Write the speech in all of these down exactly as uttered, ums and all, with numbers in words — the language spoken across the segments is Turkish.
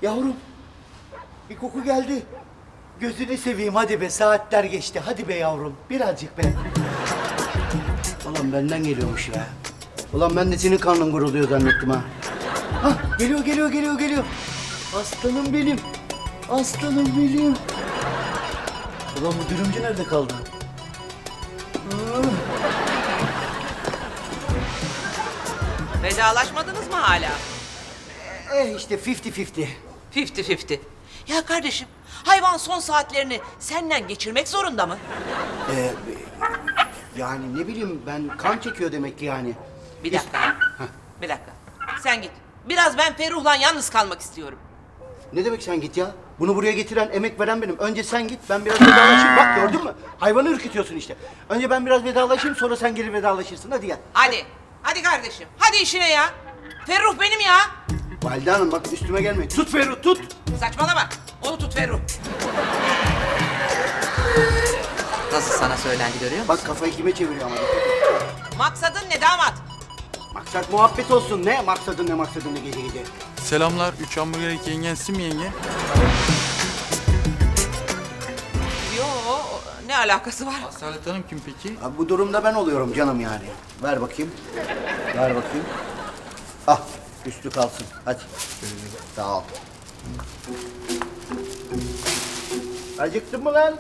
Yavrum, bir koku geldi. Gözünü seveyim hadi be, saatler geçti. Hadi be yavrum, birazcık be. Ulan benden geliyormuş ya. Ulan ben de senin karnın guruluyor zannettim ha. Hah, geliyor, geliyor, geliyor, geliyor. Aslanım benim. Aslanım benim. Ulan bu dürümcü nerede kaldı? Vedalaşmadınız mı hala? Eh işte fifty fifty. Fifty fifty. Ya kardeşim, hayvan son saatlerini senden geçirmek zorunda mı? Ee, yani ne bileyim ben, kan çekiyor demek ki yani. Bir dakika. Bir dakika. Sen git. Biraz ben Ferruh'la yalnız kalmak istiyorum. Ne demek sen git ya? Bunu buraya getiren, emek veren benim. Önce sen git, ben biraz vedalaşayım. Bak gördün mü? Hayvanı ürkütüyorsun işte. Önce ben biraz vedalaşayım, sonra sen gelir vedalaşırsın. Hadi gel. Hadi. Hadi kardeşim. Hadi işine ya. Ferruh benim ya. Valide Hanım bak üstüme gelmeyin. Tut Ferruh, tut. Saçmalama. Onu tut Ferruh. Nasıl sana söylendi görüyor musun? Bak kafayı kime çeviriyor ama. dikkat et. Maksadın ne damat? Maksat muhabbet olsun. Ne maksadın ne maksadın ne gece gece. Selamlar. Üç hamburger iki yengensin mi yenge? Yo, ne alakası var? Asalet Hanım kim peki? Abi bu durumda ben oluyorum canım yani. Ver bakayım. Ver bakayım. Ah, üstü kalsın. Hadi. Sağ ol. Acıktın mı lan?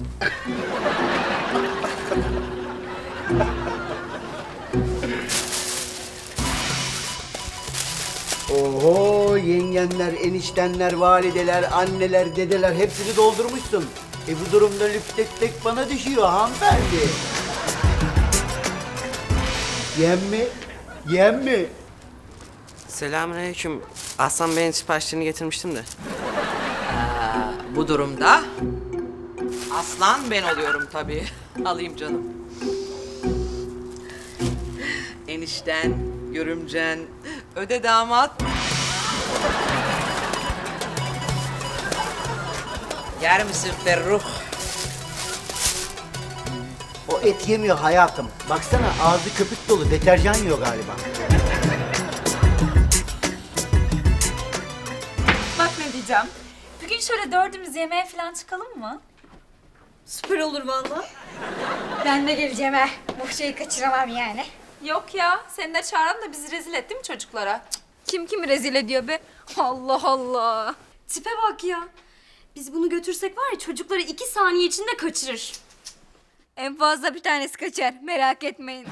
Oho, yengenler, eniştenler, valideler, anneler, dedeler hepsini doldurmuşsun. E bu durumda lüp tek tek bana düşüyor hanımefendi. Yem mi? Yem mi? Selamünaleyküm. Aslan Bey'in siparişlerini getirmiştim de. Bu durumda aslan ben oluyorum tabii. Alayım canım. Enişten, görümcen, öde damat. Yer misin Ferruh? O et yemiyor hayatım. Baksana ağzı köpük dolu, deterjan yiyor galiba. Bak ne diyeceğim. Bugün şöyle dördümüz yemeğe falan çıkalım mı? Süper olur vallahi. Ben de geleceğim he. Bu şeyi kaçıramam yani. Yok ya. Seni de çağıran da bizi rezil etti mi çocuklara? Kim kimi rezil ediyor be? Allah Allah. Tipe bak ya. Biz bunu götürsek var ya çocukları iki saniye içinde kaçırır. En fazla bir tanesi kaçar. Merak etmeyin.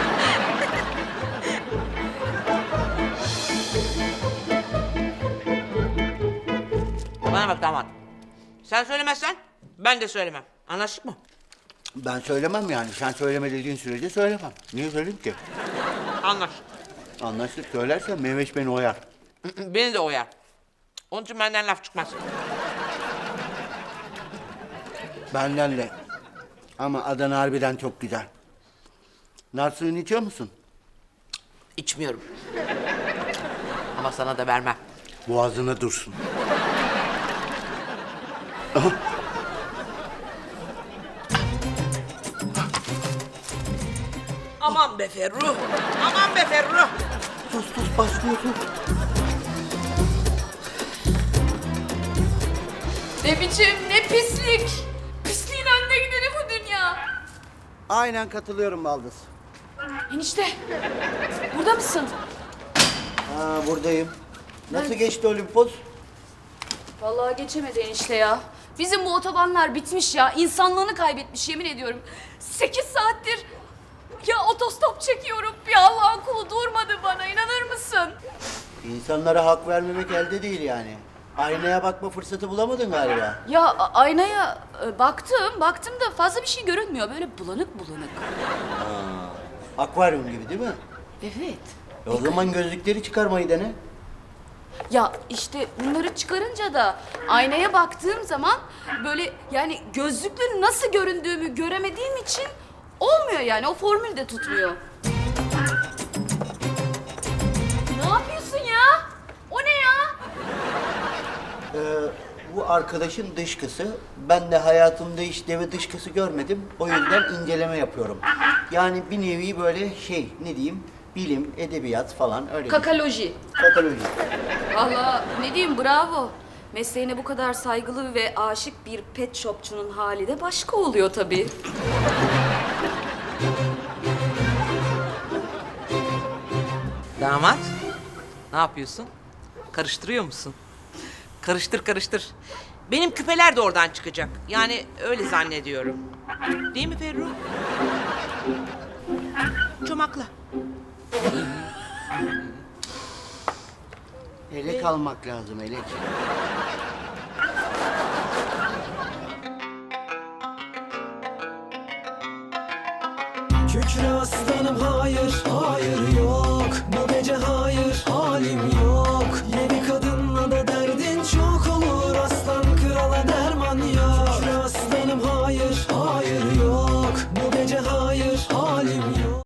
Bana bak damat. Sen söylemezsen ben de söylemem. Anlaştık mı? Ben söylemem yani. Sen söyleme dediğin sürece söylemem. Niye söyleyeyim ki? Anlaştık. Anlaştık, söylersen Mehveş beni oyar. Beni de oyar. Onun için benden laf çıkmaz. Benden de. Ama Adana harbiden çok güzel. Nar suyunu içiyor musun? İçmiyorum. Ama sana da vermem. Boğazına dursun. Aman be Ferruh. Aman be Ferruh. Sus sus başlıyor sus. Ne biçim, ne pislik. Pisliğin önüne gideni bu dünya. Aynen katılıyorum Baldız. Enişte, burada mısın? Ha buradayım. Nasıl geçti Olimpos? Vallahi geçemedi enişte ya. Bizim bu otobanlar bitmiş ya. İnsanlığını kaybetmiş yemin ediyorum. Sekiz saattir ya otostop çekiyorum. Bir Allah'ın kulu durmadı bana, inanır mısın? İnsanlara hak vermemek elde değil yani. Aynaya bakma fırsatı bulamadın galiba. Ya a- aynaya e, baktım, baktım da fazla bir şey görünmüyor. Böyle bulanık bulanık. Akvaryum gibi değil mi? Evet. E o zaman gözlükleri çıkarmayı dene. Ya işte bunları çıkarınca da aynaya baktığım zaman böyle yani gözlükle nasıl göründüğümü göremediğim için olmuyor yani. O formül de tutmuyor. Ne yapıyorsun ya? O ne ya? Ee, bu arkadaşın dışkısı. Ben de hayatımda hiç deve dışkısı görmedim. O yüzden inceleme yapıyorum. Yani bir nevi böyle şey ne diyeyim bilim, edebiyat falan öyle. bir- Kakaloji. Kakaloji. Vallahi ne diyeyim bravo. Mesleğine bu kadar saygılı ve aşık bir pet shopçunun hali de başka oluyor tabii. Damat, ne yapıyorsun? Karıştırıyor musun? Karıştır karıştır. Benim küpeler de oradan çıkacak. Yani öyle zannediyorum. Değil mi Ferruh? Çomakla. Elek almak lazım, elek. Kükre aslanım hayır,